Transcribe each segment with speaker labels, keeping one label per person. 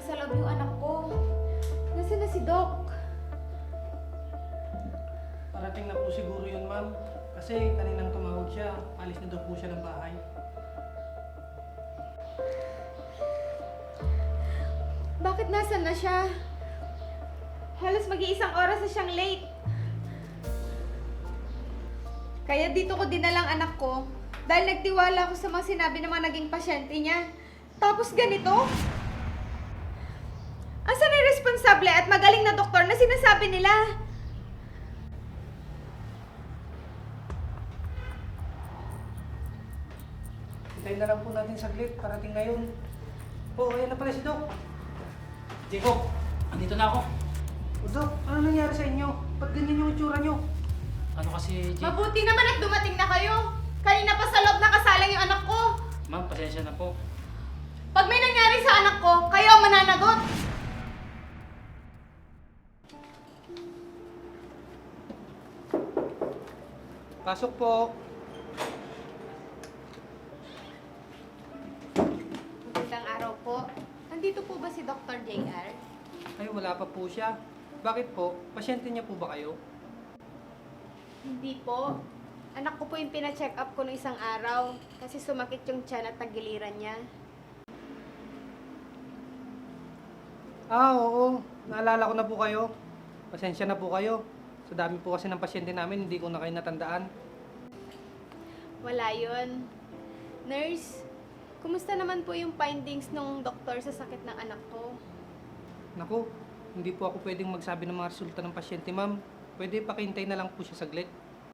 Speaker 1: nasa loob yung anak ko. Nasaan na si Doc?
Speaker 2: Parating na po siguro yun, ma'am. Kasi kaninang tumawag siya, alis na daw po siya ng bahay.
Speaker 1: Bakit nasaan na siya? Halos mag-iisang oras na siyang late. Kaya dito ko dinalang anak ko dahil nagtiwala ako sa mga sinabi ng mga naging pasyente niya. Tapos ganito? Asan ang responsable at magaling na doktor na sinasabi nila?
Speaker 2: Hintayin na lang po natin saglit, parating na yun. Oh, ayan na pala si Doc.
Speaker 3: Jacob, andito na ako.
Speaker 2: Oh, Doc, ano nangyari sa inyo? Ba't ganyan yung itsura nyo?
Speaker 3: Ano kasi, Jacob?
Speaker 1: Mabuti naman at dumating na kayo. Kanina pa sa loob nakasalang yung anak ko.
Speaker 3: Ma'am, pasensya na po.
Speaker 1: Pag may nangyari sa anak ko, kayo ang mananagot.
Speaker 2: Pasok po.
Speaker 1: Magandang araw po. Nandito po ba si Dr. JR?
Speaker 2: Ay, wala pa po siya. Bakit po? Pasyente niya po ba kayo?
Speaker 1: Hindi po. Anak ko po yung pina-check up ko noong isang araw kasi sumakit yung tiyan at tagiliran niya.
Speaker 2: Ah, oo. Naalala ko na po kayo. Pasensya na po kayo. Sa dami po kasi ng pasyente namin, hindi ko na kayo natandaan.
Speaker 1: Wala yun. Nurse, kumusta naman po yung findings ng doktor sa sakit ng anak ko?
Speaker 2: Naku, hindi po ako pwedeng magsabi ng mga resulta ng pasyente, ma'am. Pwede pakihintay na lang po siya saglit.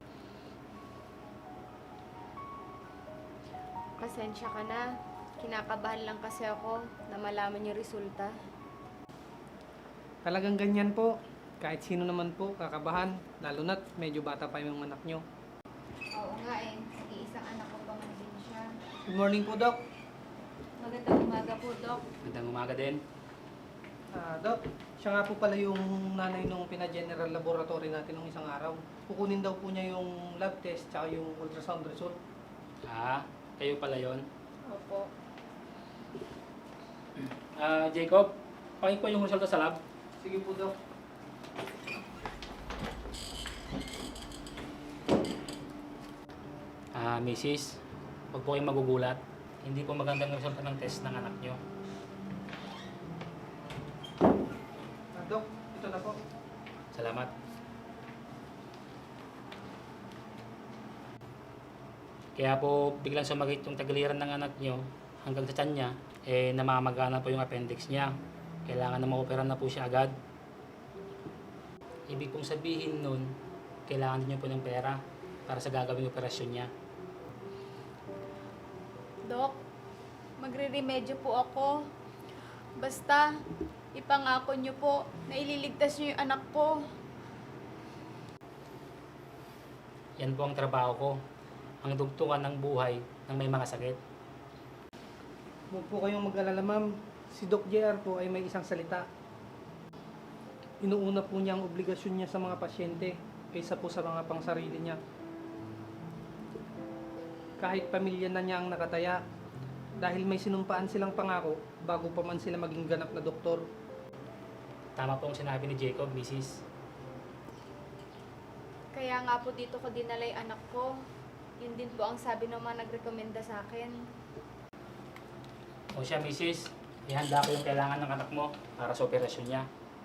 Speaker 1: Pasensya ka na. Kinakabahan lang kasi ako na malaman yung resulta.
Speaker 2: Talagang ganyan po. Kahit sino naman po, kakabahan. Lalo na't medyo bata pa yung anak nyo.
Speaker 1: Oo nga eh. Iisang anak ko pa man din siya.
Speaker 2: Good morning po, Doc.
Speaker 1: Magandang umaga po, Doc.
Speaker 3: Magandang umaga din.
Speaker 2: Doc, siya nga po pala yung nanay nung pina-general laboratory natin nung isang araw. Kukunin daw po niya yung lab test tsaka yung ultrasound result.
Speaker 3: Ah, kayo pala yon.
Speaker 1: Opo.
Speaker 3: Jacob, pakinggan ko yung resulta sa lab.
Speaker 2: Sige po, Doc.
Speaker 3: Mrs., huwag po kayong magugulat. Hindi po magandang resulta ng test ng anak nyo.
Speaker 2: Doc, ito na po.
Speaker 3: Salamat. Kaya po biglang sumakit yung tagiliran ng anak nyo hanggang sa tiyan niya, namamagana po yung appendix niya. Kailangan na ma-opera na po siya agad. Ibig pong sabihin nun, kailangan niyo po ng pera para sa gagawing operasyon niya.
Speaker 1: Dok, magre-remedyo po ako. Basta, ipangako niyo po na ililigtas niyo yung anak ko.
Speaker 3: Yan po ang trabaho ko. Ang dugtungan ng buhay ng may mga sakit.
Speaker 2: Huwag po kayong mag-alala, ma'am. Si Doc JR po ay may isang salita. Inuuna po niya ang obligasyon niya sa mga pasyente kaysa po sa mga pangsarili niya. Kahit pamilya na niya ang nakataya, dahil may sinumpaan silang pangako bago pa man sila maging ganap na doktor.
Speaker 3: Tama po ang sinabi ni Jacob, Mrs.
Speaker 1: Kaya nga po dito ko dinala yung anak ko. Yun din po ang sabi ng mga nagrekomenda sa akin.
Speaker 3: O siya, Mrs. Ihanda ko yung kailangan ng anak mo para sa operasyon niya.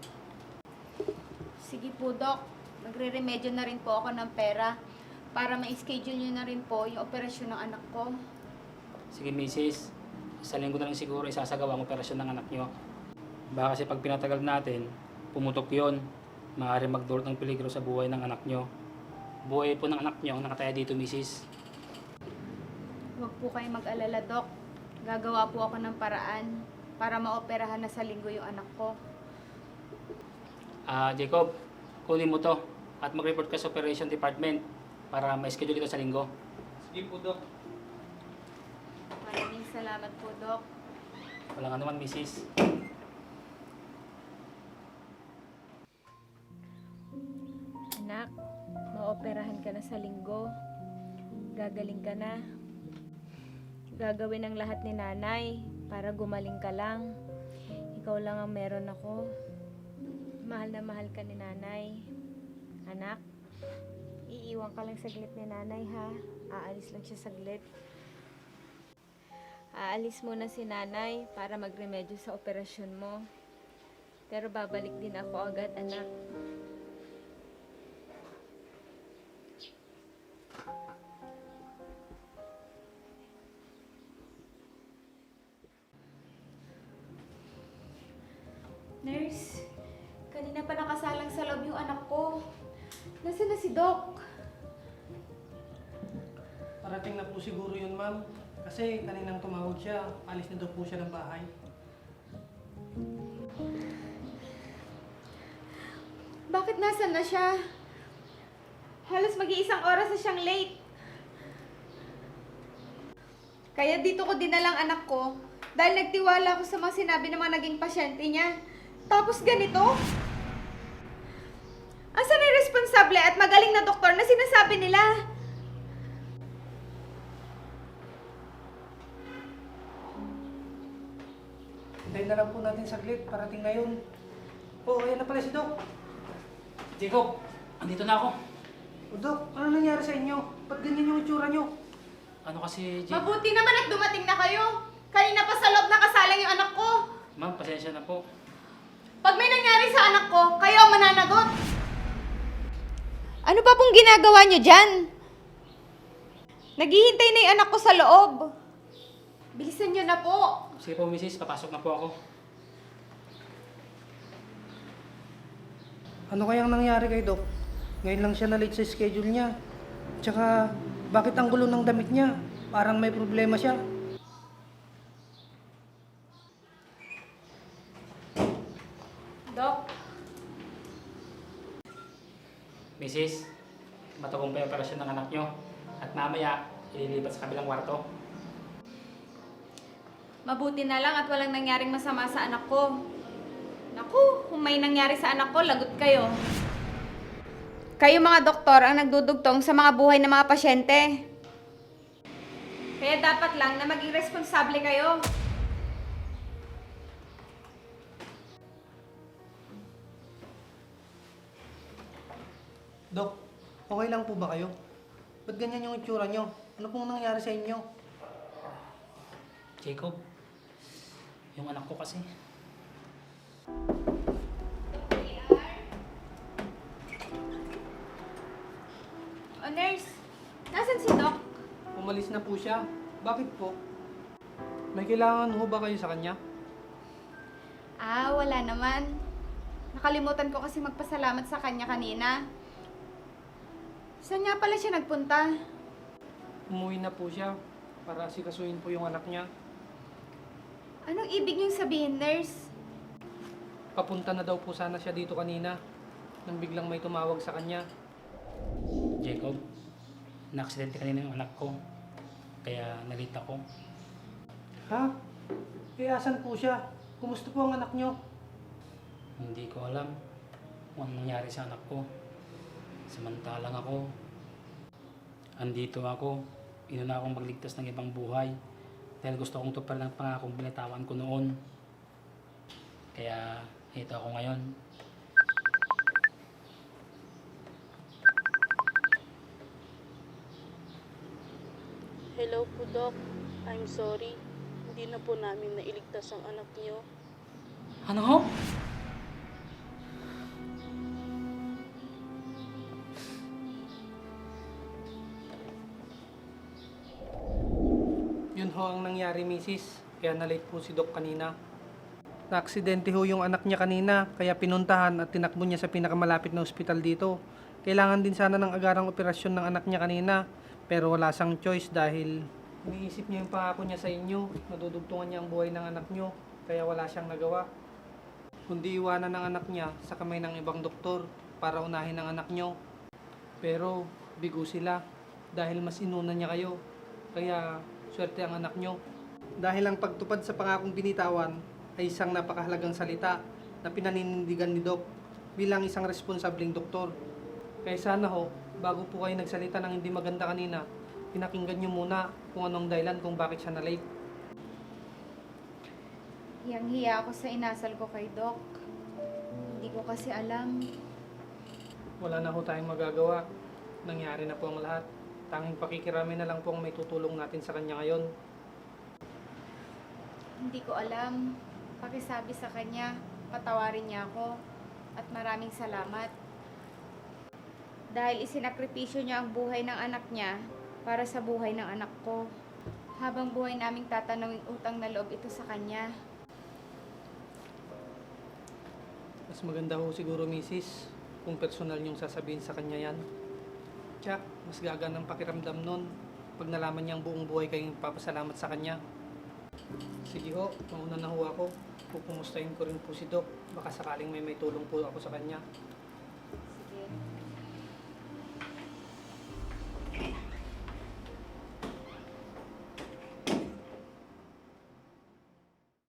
Speaker 1: Sige po, Dok. Magre-remedyo na rin po ako ng pera para ma-schedule niyo na rin po yung operasyon ng anak ko.
Speaker 3: Sige, Mrs. Sa linggo na lang siguro isasagawa ang operasyon ng anak nyo. Baka kasi pag pinatagal natin, pumutok yon. Maaaring magdulot ng peligro sa buhay ng anak nyo. Buhay po ng anak nyo ang nakataya dito, Mrs.
Speaker 1: Huwag po kayo mag-alala, Dok. Gagawa po ako ng paraan para maoperahan na sa linggo yung anak ko.
Speaker 3: Jacob, kunin mo to at mag-report ka sa operation department para ma-schedule ito sa linggo.
Speaker 2: Sige po, Doc.
Speaker 1: Maraming salamat po, Dok.
Speaker 3: Walang anuman, Mrs.
Speaker 1: Anak, maoperahan ka na sa linggo. Gagaling ka na. Gagawin ang lahat ni nanay para gumaling ka lang.
Speaker 4: Ikaw lang ang meron ako. Mahal na mahal ka ni nanay. Anak, iiwan ka lang saglit ni nanay ha. Aalis lang siya saglit. Aalis muna si nanay para magremedyo sa operasyon mo. Pero babalik din ako agad, anak.
Speaker 1: Nurse, kanina pa nakasalang sa loob yung anak ko. Nasaan na si Doc?
Speaker 2: Parating na po siguro yun, ma'am. Kasi kaninang tumawag siya, alis na daw po siya ng bahay.
Speaker 1: Bakit nasan na siya? Halos mag-iisang oras na siyang late. Kaya dito ko dinalang anak ko dahil nagtiwala ako sa mga sinabi ng mga naging pasyente niya. Tapos ganito? Asan ang responsable at magaling na doktor na sinasabi nila?
Speaker 2: Hintayin na lang po natin saglit, parating na yun. Oh, ayan na pala si Doc.
Speaker 3: Jacob, andito na ako.
Speaker 2: O Doc, ano nangyari sa inyo? Ba't ganyan yung itsura nyo?
Speaker 3: Ano kasi, Jacob?
Speaker 1: Mabuti naman at dumating na kayo. Kanina pa sa loob nakasalang yung anak ko.
Speaker 3: Ma'am, pasensya na po.
Speaker 1: Pag may nangyari sa anak ko, kayo ang mananagot. Ano pa pong ginagawa niyo dyan? Naghihintay na yung anak ko sa loob. Bilisan niyo na po.
Speaker 3: Sige po, misis, papasok na po ako.
Speaker 2: Ano kayang nangyari kay Doc? Ngayon lang siya na-late sa schedule niya. Tsaka, bakit ang gulo ng damit niya? Parang may problema siya.
Speaker 1: Dok,
Speaker 3: Misis, matagumpay ang operasyon ng anak nyo. At mamaya, ililipat sa kabilang kwarto.
Speaker 1: mabuti na lang at walang nangyaring masama sa anak ko. Naku, kung may nangyari sa anak ko, lagot kayo. Kayo mga doktor ang nagdudugtong sa mga buhay ng mga pasyente. Kaya dapat lang na maging responsable kayo.
Speaker 2: Doc, okay lang po ba kayo? Ba't ganyan yung itsura nyo? Ano pong nangyari sa inyo?
Speaker 3: Jacob, yung anak ko kasi.
Speaker 1: O nurse, nasan si Doc?
Speaker 2: Umalis na po siya. Bakit po? May kailangan ho ba kayo sa kanya?
Speaker 1: Ah, wala naman. Nakalimutan ko kasi magpasalamat sa kanya kanina. Saan nga pala siya nagpunta?
Speaker 2: Umuwi na po siya para sikasuin po yung anak niya.
Speaker 1: Anong ibig niyong sabihin, nurse?
Speaker 2: Papunta na daw po sana siya dito kanina nang biglang may tumawag sa kanya.
Speaker 3: Jacob, na-aksidente kanina yung anak ko. Kaya nalita ko.
Speaker 2: Ha? Eh, asan po siya? Kumusta po ang anak niyo?
Speaker 3: Hindi ko alam kung anong nangyari sa anak ko. Samantalang ako, andito ako, inuna akong magligtas ng ibang buhay dahil gusto kong tuparan ng pangakong binitawan ko noon. Kaya ito ako ngayon.
Speaker 5: Hello po, Doc. I'm sorry. Hindi na po namin nailigtas ang anak niyo.
Speaker 3: Ano ho?
Speaker 2: Yun ho ang nangyari, misis. Kaya na-late po si Doc kanina. Na-aksidente ho yung anak niya kanina, kaya pinuntahan at tinakbo niya sa pinakamalapit na ospital dito. Kailangan din sana ng agarang operasyon ng anak niya kanina, pero wala siyang choice dahil iniisip niya yung pangako niya sa inyo. Nadudugtungan niya ang buhay ng anak niyo, kaya wala siyang nagawa. Kundi iwanan ng anak niya sa kamay ng ibang doktor para unahin ang anak niyo. Pero bigo sila dahil mas inuna niya kayo. Kaya swerte ang anak nyo. Dahil ang pagtupad sa pangakong binitawan ay isang napakahalagang salita na pinaninindigan ni Doc bilang isang responsableng doktor. Kaya sana ho, bago po kayo nagsalita ng hindi maganda kanina, pinakinggan nyo muna kung anong dahilan kung bakit siya na-late.
Speaker 1: Hiyang-hiya ako sa inasal ko kay Doc. Hindi ko kasi alam.
Speaker 2: Wala na ho tayong magagawa. Nangyari na po ang lahat. Tanging pakikirami na lang po ang may tutulong natin sa kanya ngayon.
Speaker 1: Hindi ko alam. Pakisabi sa kanya, patawarin niya ako. At maraming salamat. Dahil isinakripisyo niya ang buhay ng anak niya para sa buhay ng anak ko. Habang buhay naming tatanungin utang na loob ito sa kanya.
Speaker 2: Mas maganda ho siguro, Mrs., kung personal niyong sasabihin sa kanya yan. Tsak, mas gagaan ang pakiramdam nun pag nalaman niyang buong buhay kayong papasalamat sa kanya. Sige ho, mauna na ho ako. Pupumustahin ko rin po si Doc. Baka sakaling may tulong po ako sa kanya.